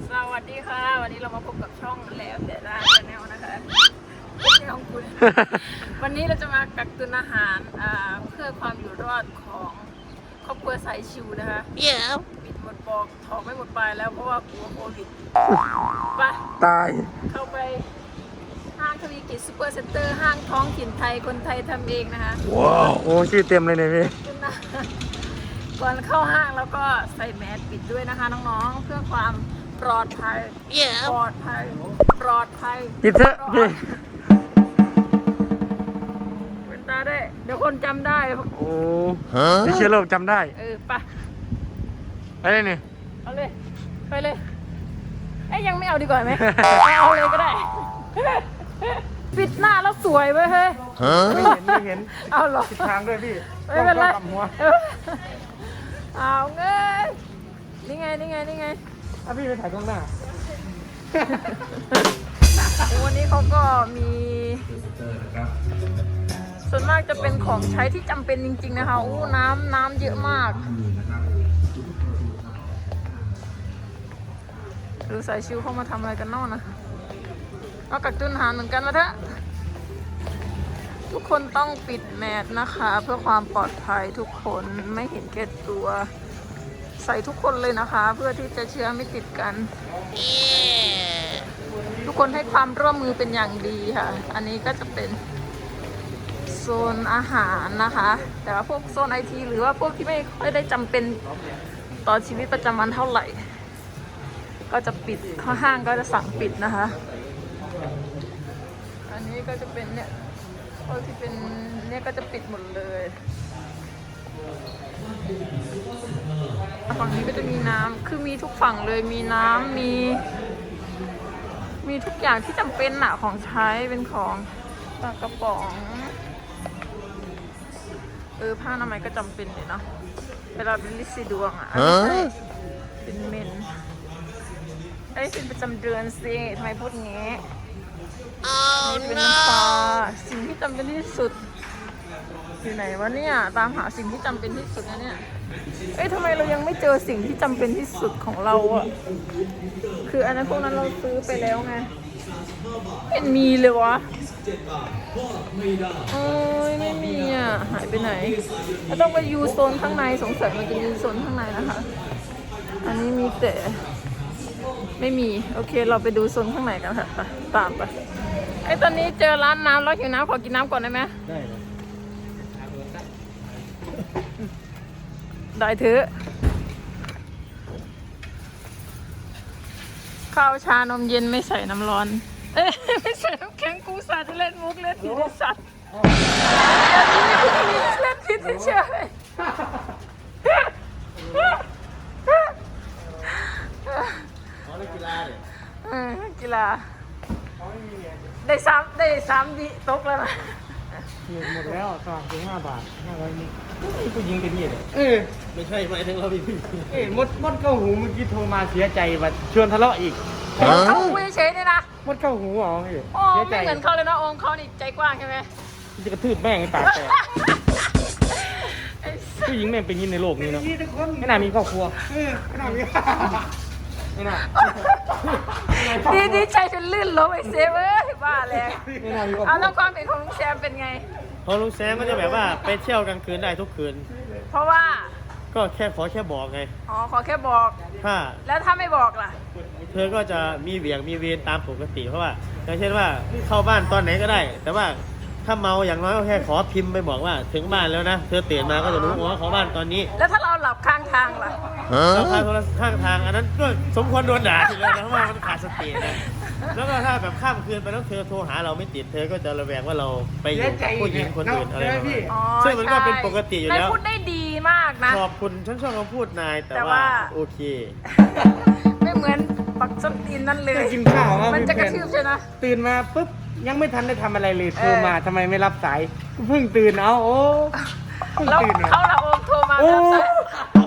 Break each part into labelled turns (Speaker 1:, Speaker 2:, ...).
Speaker 1: สวัสดีค่ะวันนี้เรามาพบกับช่องแล้วแต่ร้านแนวนะคะช่องคุณ วันนี้เราจะมากักตุนอาหารเพื่อความอยู่รอดของครอบครัวสายชิวนะคะปิดหมดปอกถอกไม่หมดปลายแล้วเพราะว่ากลัวโควิดไป
Speaker 2: ตาย
Speaker 1: เข้าไปห้างทวีกิจซูเปอร์เซ็นเตอร์ห้างท้องถิ่นไทยคนไทยทำเองนะคะ
Speaker 2: ว้าวโอ้ชื่อเต็มเลยเนี่ยพี่
Speaker 1: ก่อนเข้าห้างแล้วก็ใส่แมสปิดด้วยนะคะน้องๆเพื่อความปลอดภัยปลอดภัย
Speaker 2: ปิดเถอะพี่
Speaker 1: เป็นตาได้เดี๋ยวคนจำได้
Speaker 2: โอ้ไม่เชื่อโลกจำได้
Speaker 1: ไป
Speaker 2: เลยนี่
Speaker 1: เอาเลยไปเลยยังไม่เอาดีกว่าไหมเอาเลยก็ได้ปิดหน้าแล้วสวยเว้ยเฮ้ย
Speaker 2: ไม่เห็น
Speaker 1: เอาหรอ
Speaker 2: ทิศทางด้วยพี่
Speaker 1: ไม่เป็นไรเอาเงยนี่ไง
Speaker 2: พี่ไปถ่ายกล้องหน้า
Speaker 1: วันนี้เขาก็มีส่วนมากจะเป็นของใช้ที่จำเป็นจริงๆนะคะอู้น้ำเยอะมากดูสายชิวเข้ามาทำอะไรกันนอกนะเอากักตุนอาหารเหมือนกันมาเถอะทุกคนต้องปิดแมสนะคะเพื่อความปลอดภัยทุกคนไม่เห็นแก่ตัวใส่ทุกคนเลยนะคะเพื่อที่จะเชื้อไม่ติดกันทุกคนให้ความร่วมมือเป็นอย่างดีค่ะอันนี้ก็จะเป็นโซนอาหารนะคะแต่ว่าพวกโซนไอทีหรือว่าพวกที่ไม่ค่อยได้จำเป็นต่อชีวิตประจำวันเท่าไหร่ก็จะปิดข้อห้างก็จะสั่งปิดนะคะอันนี้ก็จะเป็นเนี่ยพวกที่เป็นเนี่ยก็จะปิดหมดเลยฝั่งนี้ก็จะมีน้ำคือมีทุกฝั่งเลยมีน้ำมีทุกอย่างที่จำเป็นอะของใช้เป็นของปลากระป๋องผ้าอนามัยก็จำเป็นเลยเนาะเวลาเป็นลิซีดวงอะเป็นเมนเป็นประจำเดือนสิทำไมพูดงี้เป็นน้ำปลาสิ่งที่จำเป็นที่สุดอยู่ไหนวะเนี่ยตามหาสิ่งที่จำเป็นที่สุดนะเนี่ยทำไมเรายังไม่เจอสิ่งที่จำเป็นที่สุดของเราอะคืออันนั้นพวกนั้นเราซื้อไปแล้วไงเป็นมีเลยวะไม่มีอ่ะหายไปไหนเราต้องไปยูโซนข้างในสงสัยมันจะมีโซนข้างในนะคะอันนี้มีแต่ไม่มีโอเคเราไปดูโซนข้างในกันค่ะตามไปตอนนี้เจอร้านน้ำแล้วหิวน้ำขอกินน้ำก่อนได้ไหม
Speaker 2: ได้เลย
Speaker 1: ได้เถอะข้าวชานมเย็นไม่ใส่น้ำร้อนไม่ใส่น้ำแข็งกูสัตว์เล่นมุกเล่นผิดสัตว์เล่นผิดเฉยกีฬาได้3วิตกแล้วนะ
Speaker 2: หมดแล้วสมัครถึง5 บาท500นี่ผู้หญิงเป็นยี่เลยไม่ใช่หมายถึงเราพี่มดเข้าหูเมื่อกี้โทรมาเสียใจว่าชวนทะเลาะอีก
Speaker 1: เขาคุยเฉยเนี่ยนะ
Speaker 2: มดเข้าหูอ๋อพี่
Speaker 1: เสียใจไม่เหมือนเขาเลยนะองเขานี่ใจกว้างใช่ไหม
Speaker 2: จะกระทืบแม่งให้ปากแตกผู้หญิงแม่งเป็นยินในโลกนี้เนาะไม่น่ามีครอบครัวไม่น่ามี
Speaker 1: ดีใจจนลื่นล้มเซฟบ้าแล้วเอาแล้วความเห็นของลุงแซมเป็นไง
Speaker 3: ของลุงแซมก็จะแบบว่าไปเที่ยวกลางคืนได้ทุกคืน
Speaker 1: เพราะว่า
Speaker 3: ก็ขอแค่บอกไง
Speaker 1: ขอแค่บอกแล้วถ้าไม่บอกล่ะ
Speaker 3: เธอก็จะมีเวรตามปกติเพราะว่าอย่างเช่นว่าเข้าบ้านตอนไหนก็ได้แต่ว่าถ้าเมาอย่างน้อยก็แค่ขอพิมพ์ไปบอกว่าถึงบ้านแล้วนะเธอตื่นมาก็จะรู้ว่าเขาบ้านตอนนี้
Speaker 1: แล้วถ้าเราหลับข้างทางล่ะ
Speaker 3: เราข้างทางอันนั้นก็สมควรโดนด่าทีเลยนะเพราะว่ามันขาดสตินะแล้วก็ถ้าแบบข้ามคืนไปแล้วเธอโทรหาเราไม่ติดเธอก็จะระแวงว่าเราไปอยู่กับผู้หญิงคนอื่นอะไรแบบนี้ซึ่งมันก็เป็นปกติอยู่แล้ว
Speaker 1: พูดได้ดีมากนะ
Speaker 3: ขอบคุณฉันชอบคำพูดนายแต่ว่าโอเค
Speaker 1: ไม่เหมือนปักส้นตีนนั่นเลย
Speaker 2: กินข้าว
Speaker 1: มันจะกระชืบใช่ไหม
Speaker 2: ตื่นมาปุ๊บยังไม่ทันได้ทำอะไรเลยโทรมาทำไมไม่รับสายเพิ่งตื่นเอาโอ้
Speaker 1: แล้วเขาละโอมโทรมารับสาย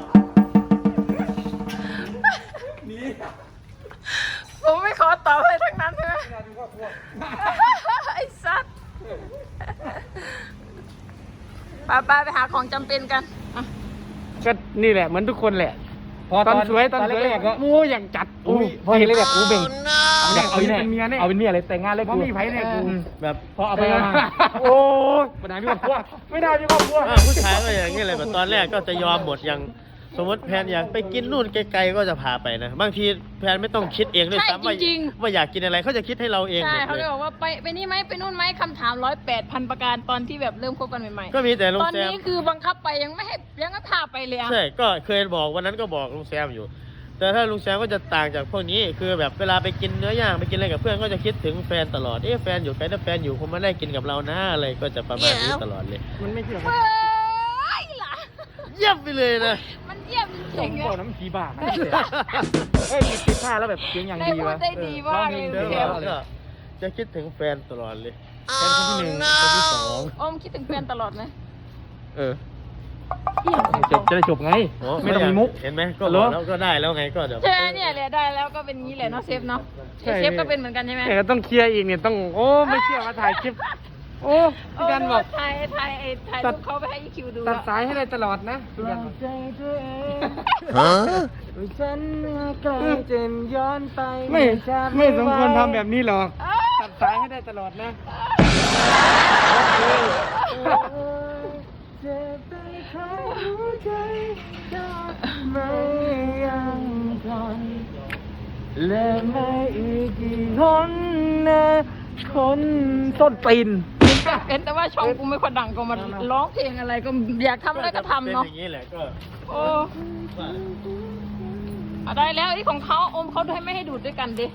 Speaker 1: ผมไม่ขอตอบอะไรทั้งนั้นใช่ไหมไอ้สัตว์ไปหาของจำเป็นกัน
Speaker 2: ก็นี่แหละเหมือนทุกคนแหละตอนสวยก็มูอย่างจัดพอเห็นเลยแบบกูเบ่งเอาเป็นเมียเนี่ยเอาเป็นเมียเลยแต่งงานเลยกูมีไผ่เนี่ยกู
Speaker 3: แบบ
Speaker 2: พอเอาไปโอ้ไม่ได้มีครอบครัวไม่ได้มีครอบครัว
Speaker 3: ผู้ชายก็อย่างนี้เลยแบบตอนแรกก็จะยอมหมดอย่างสมมติแพนอยากไปกินนู่นไกลๆก็จะพาไปนะบางทีแพนไม่ต้องคิดเองด้วยซ้ำว่าอยากกินอะไรเขาจะคิดให้เราเอง
Speaker 1: ใช่เขาเลยบอกว่าไปนี่ไหมไปนู่นไหมคำถาม108,000ประการตอนที่แบบเริ่มคบกันใหม่ๆ
Speaker 3: ก็มีแต่ลุง
Speaker 1: ตอน
Speaker 3: แซม
Speaker 1: นี้คือบังคับไปยังไม่พาไปเลยอะ
Speaker 3: ใช่ก็เคยบอกวันนั้นก็บอกลุงแซมอยู่ แต่ถ้าลุงแซมก็จะต่างจากพวกนี้คือแบบเวลาไปกินเนื้อย่างไปกินอะไรกับเพื่อนก็จะคิดถึงแฟนตลอดแฟนอยู่ไกลถ้าแฟนอยู่คงไม่ได้กินกับเรานะอะไรก็จะประมาณนี้ตลอดเลย
Speaker 2: มันไม่เชื่อ
Speaker 1: เฮ้ยล่ะ
Speaker 3: เยี่ยมไปเลยนะ
Speaker 1: มันเยี่ยมจริงๆ
Speaker 2: โอ้
Speaker 1: อะ
Speaker 2: น้ำผีบ้าเฮ้ยติดผ้าแล้วแบบเสียงอย่าง
Speaker 1: ได้
Speaker 2: ดี
Speaker 1: พู
Speaker 2: วะ
Speaker 1: ดได้ดีมากเลย
Speaker 3: ก็จะคิดถึงแฟนตลอดเลย
Speaker 2: แฟนคนที่1คนที่2
Speaker 1: อมคิดถึงแฟนตลอดไหม
Speaker 2: จะได้จบไงไม่ต้องมีมุก
Speaker 3: เห็นไหมก็บอกแล้วก็ได้แล้วไงก็เดี๋ยว
Speaker 1: ใช่เนี่ยแหละได้แล้วก็เป็นงี้แหละเนาะเซฟเนาะเซฟก็เป็นเหมือนกันใช่ไหม
Speaker 2: แต่ต้องเคลียร์อีกเนี่ยต้องโอ้ไม่เชื่อมาถ่ายคลิปโอ้พี่กันบอก
Speaker 1: ถ่ายรูปเขาไปให้คิวดู
Speaker 2: ตัดสายให้เลยตลอดนะฉันใกล้จะย้อนไปไม่สมควรทำแบบนี้หรอกตัดสายให้ได้ตลอดนะไม่ยังทนและไม่อีกกี่คนนะคนต้นตีน
Speaker 1: เป็นแต่ว่าช่องกูไม่ค่อยดังก็มาร้องเพลงอะไรก็อยากทำอะไรก็ทำเนาะ
Speaker 3: เป็นอย่างนี้แหละก็
Speaker 1: โอ้ได้แล้วไอ้ของเขาอมเขาไม่ให้ดูดด้วยกันดิ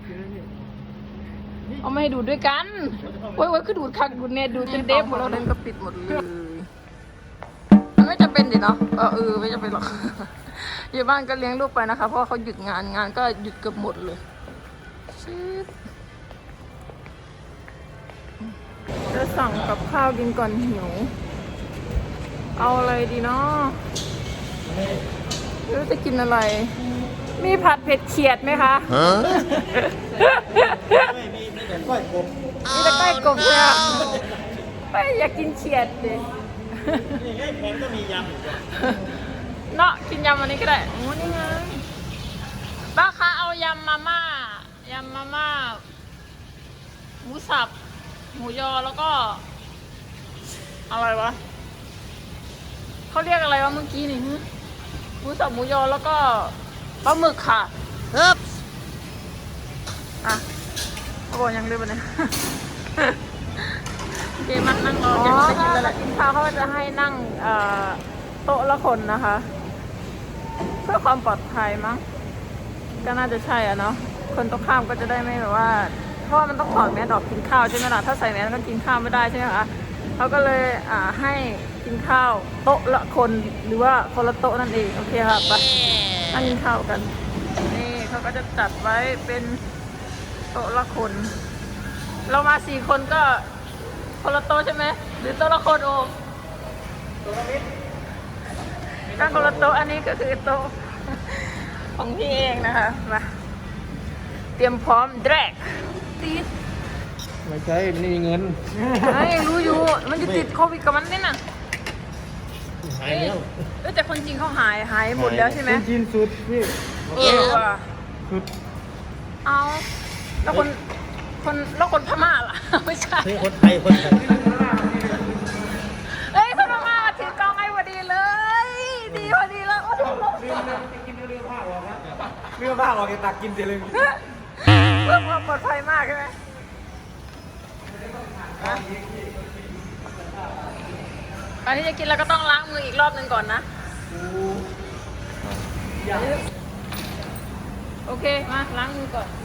Speaker 1: เอาไม่ให้ดูดด้วยกันโอ้ยคือดูดคักดูดเน็ตดูดจนเดฟหมดแล้วเดินก็ปิดหมดเลยมันไม่จำเป็นดิเนาะไม่จำเป็นหรอกอยู่บ้านก็เลี้ยงลูกไปนะคะเพราะว่าเขาหยุดงานก็หยุดเกือบหมดเลยจะสั่งกับข้าวกินก่อนหิวเอาอะไรดีเนาะไม่รู้จะกินอะไรมีผัดเผ็ดเขียดไหมคะ
Speaker 3: ไม่มีแต่ก้อยกบ
Speaker 1: มีแต่ก้อยกบเลยอ่ะไม่อยากกินเขียดดิ
Speaker 3: นี่ไงแพนก็มียำอยู่
Speaker 1: เนาะกินยำวันนี้ก็ได้โอ้นี่ไงป้าคะเอายำมาม่าหมูสับหมูยอแล้วก็อะไรวะเขาเรียกอะไรวะเมื่อกี้นี่หมูสับหมูยอแล้วก็ปลาหมึกค่ะอ่ะเขาบอกยังเรียกว่าเนี่ยเกมนั่งรอจะไปกินแล้วกินข้าวเขาจะให้นั่งโต๊ะละคนนะคะเพื่อความปลอดภัยมั้งก็น่าจะใช่อ่ะเนาะคนตรงข้ามก็จะได้ไม่แบบว่าเพราะว่ามันต้องถอดแมสออกกินข้าวใช่ไหมล่ะถ้าใส่แมสก็กินข้าวไม่ได้ใช่ไหมคะเขาก็เลยให้กินข้าวโต๊ะละคนหรือว่าคนละโต๊ะนั่นเองโอเคค่ะไปนั่งกินข้าวกันนี่เขาก็จะจัดไว้เป็นโต๊ะละคนเรามา4 คนก็คนละโต๊ะใช่ไหมหรือโต๊ะละคนโอก็คนละโต๊ะอันนี้ก็คือโต๊ะของพี่เองนะคะมาเตรียมพร้อมแดกตีด
Speaker 2: ไม่ใช่ไม่มีเงิน
Speaker 1: รู้อยู่มันจะติดโควิดกับมันนี่น่ะ
Speaker 3: หายแล้ว
Speaker 1: แต่คนจริงเขาหายหมดแล้วใช่ไหม
Speaker 2: จีนสุดพี่
Speaker 1: ว่ะ
Speaker 2: สุด
Speaker 1: เอาแล้วคนพม่าล่ะไม่ใช่
Speaker 3: คนไทย
Speaker 1: คนพม่าถือกล้องให้พอดีเลยดีพอดีแล้วโอ้โห
Speaker 2: เรื่องผ้าออกจะตักกินเสียเลย
Speaker 1: เพื่อความปลอดภัยมากใช่ไหมก่อนที่จะกินเราก็ต้องล้างมืออีกรอบหนึ่งก่อนนะโอเคมาล้างมือก่อน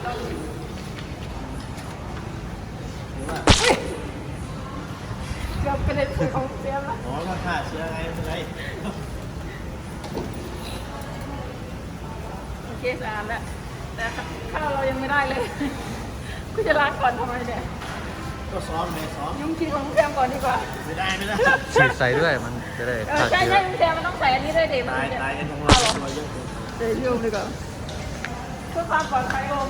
Speaker 1: เกือบเป็นเลยของเสียมแล้ว
Speaker 3: อ๋อถ้าฆ่าเชื้อไงไม่เป็นไร
Speaker 1: โอเคสะอาดแล้วแต่ข้าวเรายังไม่ได้เลยกูจะล้างก่อนทำไมเนี่ย
Speaker 3: ก็ซ้อมเลยซ้อม
Speaker 1: ยุ่งคิดของเสียมก่อนดีกว่า
Speaker 3: ไม่ได้
Speaker 4: ฉีดใส่ด้วยมันจะได้ฆ่า
Speaker 1: ใช่
Speaker 4: เชื้อ
Speaker 1: เสียมันต้องใส่อันนี้ด้วยดิมัน
Speaker 3: ตาย
Speaker 1: จะ
Speaker 3: กันทั้งเราเยอะเกิน
Speaker 1: เดี๋ยวยุ่งดีกว่าเพื่อความปลอดภัยโอม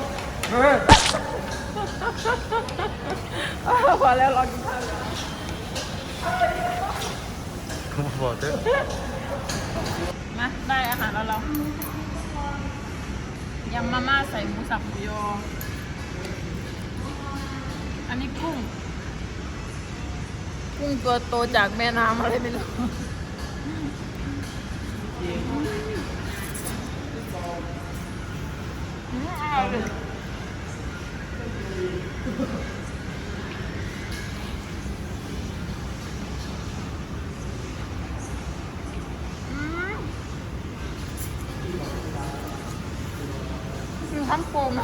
Speaker 1: พอแล้วรอกินข้าวก่อน
Speaker 4: ผมบอกเถอะ
Speaker 1: มาได้อาหารแล้วเรายำมาม่าใส่หมูสับหมูยออันนี้กุ้งตัวโตจากแม่น้ำอะไรไม่รู้คือทำโฟม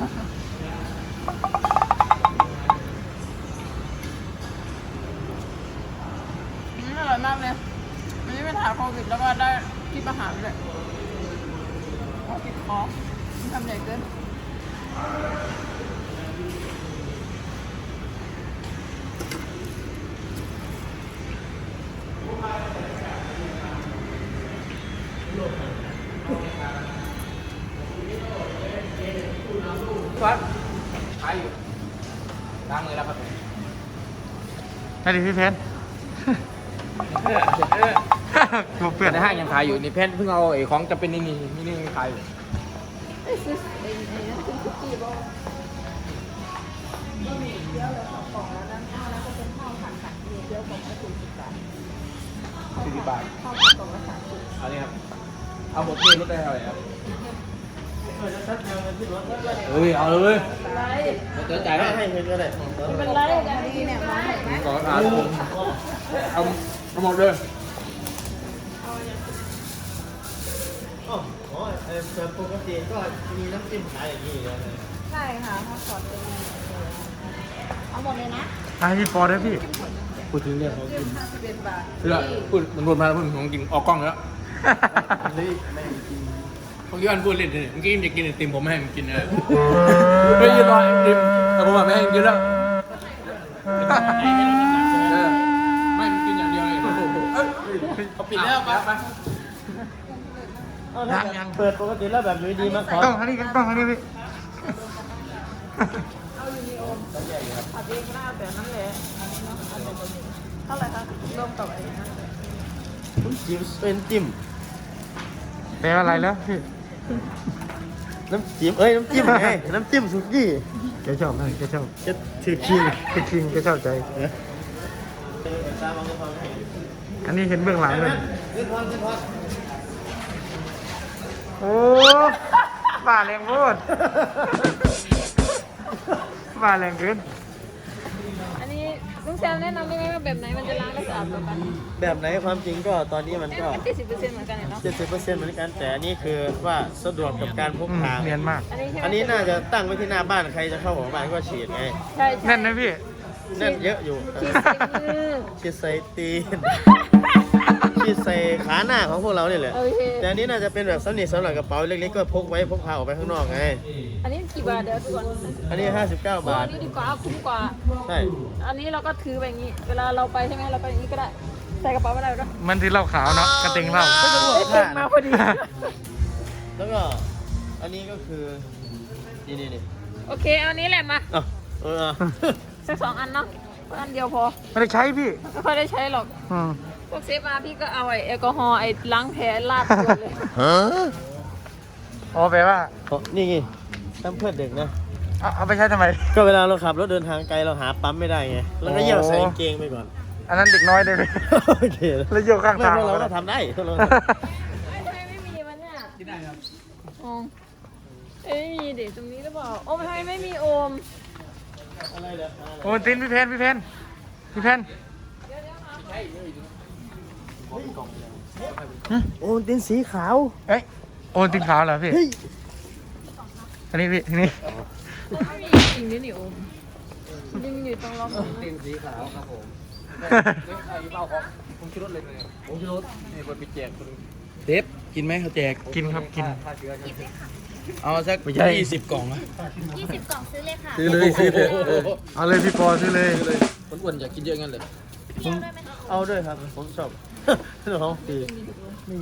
Speaker 1: อร่อยมากเลยวันนี้ไปถ่ายโควิดแล้วก็ได้ที่ประหารเลยโอ้ติดคอทำใหญ่เกิน
Speaker 2: ครับขายอยู่ล้างมือแล้วครับ
Speaker 4: ให้ดิพี่เพนตัวเปื่อน
Speaker 2: ในห้างยังขายอยู่นี่เพนเพิ่งเอาไอ้ของจะเป็นนี่ขายอยู่40 บาทเอานี่ครับเอาหมดที่รถได้เท่าไหร่ครับเอาเลยเดี๋ยวจ่ายให้เงินก็ได้
Speaker 1: เป็นไรกันดีเนี่ยมาไหม
Speaker 2: ก่อนเอาหมดเลย
Speaker 3: อ๋อแบบปกติก็มีน้ำจิ้มขายอย่างนี้เลย
Speaker 1: ใช่ค่ะเขาสอนเป็นเอาหมดเลยนะ
Speaker 4: ให้พี่ปอด้วยพี่
Speaker 2: พูดถึงเรื่องของกิน
Speaker 1: 51 บาท
Speaker 2: เรื่องพูดมันรวมมาแล้วพูดของกินออกกล้องแล้วเมื่อกี้อันพูดเล่นเลยเมื่อกี้อยากกินไอติมผมไม่ให้มันกินเลยไม่ยืนรอไอติมแต่ผมไม่ให้มันกินแล้วไม่มันกินอย่างเดียวเลยเขาปิดแล้วไป
Speaker 4: ยัง
Speaker 3: เปิดปกติแล้วแบบอยู่ดีมาขอ
Speaker 4: ต้องอันนี้ต้องอันนี้พี่
Speaker 1: เอาอยู่ในโอมผัดเองก็ได้แต่นั่นแหละอันนี้เนาะอันนี้เท่าไหร่คะรวมกับไอ้นั่นเลย
Speaker 3: จิ้มเป็นจิ้ม
Speaker 4: แปลว่าอะไรแล้วพี่
Speaker 3: น้ำจิ้มน้ำจิ้มไงน้ำจิ้มสุกี้
Speaker 4: แกชอบไหมแกชอบ
Speaker 3: จะถือคิง
Speaker 4: แกจริงแกชอบใจ อันนี้เห็นเบื้องหลังเลยโอ้บ้าแรงพูดบ้าแรงเกิน
Speaker 1: อันนี้ลุงแซมแนะนำได้ไหมว่าแบบไหนมันจะล้างได้สะอาดกว่ากัน
Speaker 3: แบบไหนความจริงก็ตอนนี้มันก็
Speaker 1: 70%เหมือนกันเนาะ
Speaker 3: 70%เหมือนกันแต่อันนี้คือว่าสะดวกกับการพกพา
Speaker 4: เนียนมาก
Speaker 1: อันนี้ใช่ไหม
Speaker 3: อันนี้น่าจะตั้งไว้ที่หน้าบ้านใครจะเข้าของบ้านก็ฉีดไง
Speaker 1: ใช่
Speaker 4: แน่นนะพี่
Speaker 3: นั่นเยอะอยู่
Speaker 1: ฉีดใส่มือ
Speaker 3: ฉีดใส่ตีนฉีดใส่ขาหน้าของพวกเราเนี่ยแหละ
Speaker 1: โอเค
Speaker 3: แต่อันนี้น่าจะเป็นแบบสำหรับกระเป๋าเล็กๆก็พกไว้พกพาออกไปข้างนอกไง
Speaker 1: อันนี้กี่บาทเดี๋ยวก่อน
Speaker 3: อันนี้59 บา
Speaker 1: อั
Speaker 3: ท
Speaker 1: นนี้ดีกว่าคุ้มกว่า
Speaker 3: ใช่
Speaker 1: อันนี้เราก็ถือไปอย่างนี้ เวลาเราไปใช่ไหมเราไปอย่างนี้ก็ได้ ใส่กระเป๋าไม่ได้ก็
Speaker 4: มันที่เหล้าขาวเนาะกระเต็งเหล้า
Speaker 1: ได้เต็มมาพอดี
Speaker 3: แล้วก็อันนี้ก็คือนี่
Speaker 1: โอเคเอาอันนี้แหละมา
Speaker 3: อ่ะ
Speaker 1: สัก2 อันเนาะอันเดียวพอ
Speaker 4: ไม่ได้ใช้พี่
Speaker 1: ไม่ค่อยได้ใช้หรอก
Speaker 4: อืม
Speaker 1: พวกเซฟมาพี่ก็เอาไอ้แอลกอฮอล์ไอ้ล้างแผลลาดตัวเลย
Speaker 4: อ๋อแปลว่า
Speaker 3: นี่ไงตั้มเพื่อนเด็กนะ
Speaker 4: เอาไปใช้ทำไม
Speaker 3: ก็เวลาเราขับรถเดินทางไกลเราหาปั๊มไม่ได้ไงแล้วก็เยี่ยวใส่กางเกงไปก่อน
Speaker 4: อันนั้นเด็กน้อยได้ไหม
Speaker 3: โอเค
Speaker 4: แล้วโยกข้างทาง
Speaker 3: ไม่เราก็ทำได้พวกเรา
Speaker 1: ทำไมไม่มีมันเนี่ย
Speaker 2: กินได้ครับ
Speaker 1: อ๋อเอ้ยมีเด็กตรงนี้หรือเปล่าโอ้ทำไมไม่มีโอม
Speaker 3: อะไรเนี่ย
Speaker 4: โอ้ตินพี่เพนพี่เพน
Speaker 3: โอ้ดินสีขาว
Speaker 4: เอ้ยโอนตินขาวเหรอพี่
Speaker 3: เฮ้ย
Speaker 4: อันนี้พี่นี่
Speaker 1: ไม่มีจริงด้วยนี่โอมยิงอยู่ตรงล็อกตรง
Speaker 2: ตี
Speaker 1: นั้น
Speaker 2: นสีขาวครับผมใครเมาของผมชิรถเลยผมชิรถนี่คนไปแจกคนเดฟกินไหมเขาแจก
Speaker 4: กินครับกิน
Speaker 2: เอาสัก
Speaker 4: ไม่ใช่
Speaker 2: 20 กล่องนะ
Speaker 5: 20 กล่องซื้อเลยค่ะ
Speaker 4: ซื้อเลยซื้อเลยเอาเลยพี่ปอซื้อเลย
Speaker 2: คนอ้วนอยากกินเยอะงั้นเลย
Speaker 5: เที่ยวด้วยไหมคะ
Speaker 3: เอาด้วยครับผมชอบน้องตีนี่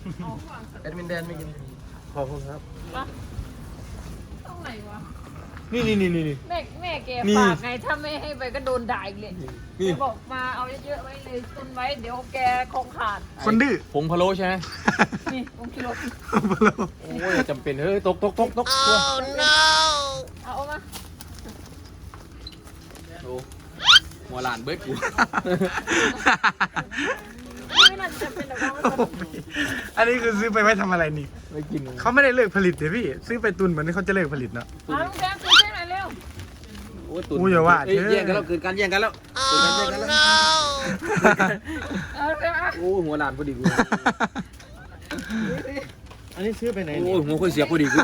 Speaker 2: แอดมินแดนไม่กิน
Speaker 3: ขอบคุณครับ
Speaker 1: ตรงไหนวะ
Speaker 3: นี่
Speaker 1: แม่แก
Speaker 3: นี่
Speaker 1: ฝากไงถ้าไม่ให้ไปก็โดนด่าอีกเลยแกบอกมาเอาเยอะๆไว้เลยตุนไว้เดี๋ยวแกคงขาด
Speaker 4: คนดื้อ
Speaker 3: ผงพะโล้ใช่ไหม
Speaker 1: นี่ผมกิโล
Speaker 3: โอ้ยจำเป็นเฮ้ยตกตัว
Speaker 1: เอามา
Speaker 3: โอ้หัวหลานเบิดกู
Speaker 1: ไม่น่าจะเป็นแบบว่า
Speaker 4: อันนี้คือซื้อไปไว้ทำอะไรนี่
Speaker 3: ไม่กิน
Speaker 4: เขาไม่ได้เลิกผลิตเลยพี่ ซื้อไปตุนเหมือนที่เขาจะเลิกผลิตเนาะ
Speaker 1: เอาลูกแดงซื้อให้หน่อยเร็ว
Speaker 3: โอ้ยตุน
Speaker 4: อู้อย่าว่า
Speaker 3: เอ้ย
Speaker 4: เถอะ
Speaker 3: แย่งกันแล้วเกิดการแย่งกันแล้วเกิดการแย่งกันแล้ว
Speaker 1: เอาลูกแดงอ่ะ
Speaker 3: โอ้ยหัวหลานพอดีกู
Speaker 2: อันนี้ซื้อไปไหน
Speaker 3: โอ้ยหัวค่อยเสียพอดีกู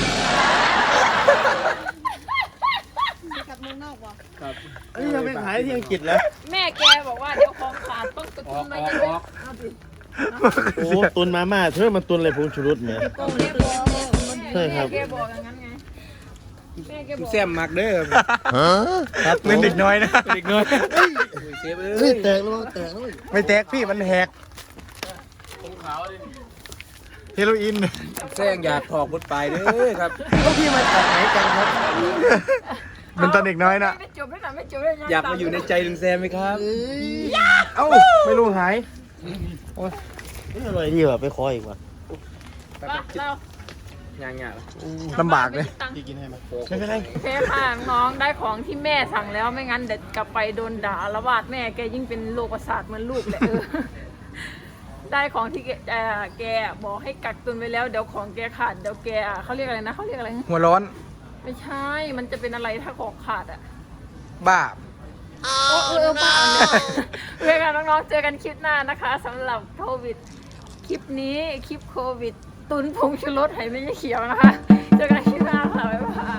Speaker 5: กับเมืองนอกวะ
Speaker 3: ครับ
Speaker 2: อันนี้ยังไปขายที่อังกฤษแล้ว
Speaker 1: แม่แกบอกว่าเดี๋ยวของขาดต้องตุนไว้เยอะๆเอาดิ
Speaker 2: โอ้ตุนมาม่าเธอมันตุนอะไรผงชูรสเนี่ย
Speaker 1: โกงแกบอก
Speaker 2: ใช่ครับ
Speaker 1: แม่แกบอกอย่างนั้นไงแม่แกบอก
Speaker 3: แซมมักเด้อ
Speaker 4: ครับเป็นเด็กน้อยนะ
Speaker 3: เด็กน้อยเซฟ
Speaker 2: เฮ้ยแตกแล้วแตกแล้ว
Speaker 4: ไม่แตกพี่มันแหกเฮโรอีน
Speaker 3: แซงอยากถอกบดปลายเด้อครับ
Speaker 2: ก็พี่มาจากไหนกันครับ
Speaker 4: เป็นตอนเด็กน้อยนะ
Speaker 1: ไม่จบเลยนะไม่จบเลยนะ
Speaker 3: อยากมาอยู่ในใจลุงแซมไหมครับ
Speaker 4: เอ้าไม่รู้หาย
Speaker 2: นี่อร่อยดีว่ะไปขออีกว่ะ
Speaker 1: เรา
Speaker 3: ยังไง
Speaker 4: ลำบากเลย
Speaker 2: พี่กินให้ไหม
Speaker 3: ไม่เป็นไร
Speaker 1: เทค่ะน้องได้ของที่แม่สั่งแล้วไม่งั้นเด็ดกลับไปโดนด่าละวาดแม่แกยิ่งเป็นโรคประสาทเหมือนลูกเลยได้ของที่แกบอกให้กักตุนไว้แล้วเดี๋ยวของแกขาดเดี๋ยวแกเขาเรียกอะไรนะเขาเรียกอะไร
Speaker 4: หัวร้อน
Speaker 1: ไม่ใช่ มันจะเป็นอะไรถ้าของขาดอ่ะ
Speaker 4: บ้า
Speaker 1: โอ้บ้าเลยเพื่อนกันน้องๆเจอกันคลิปหน้านะคะสำหรับโควิด คลิปนี้คลิปโควิด ตุนผงชูรสไหไม่ใช่เขียวนะคะ เจอกันคลิปหน้าค่ะ บ๊ายบาย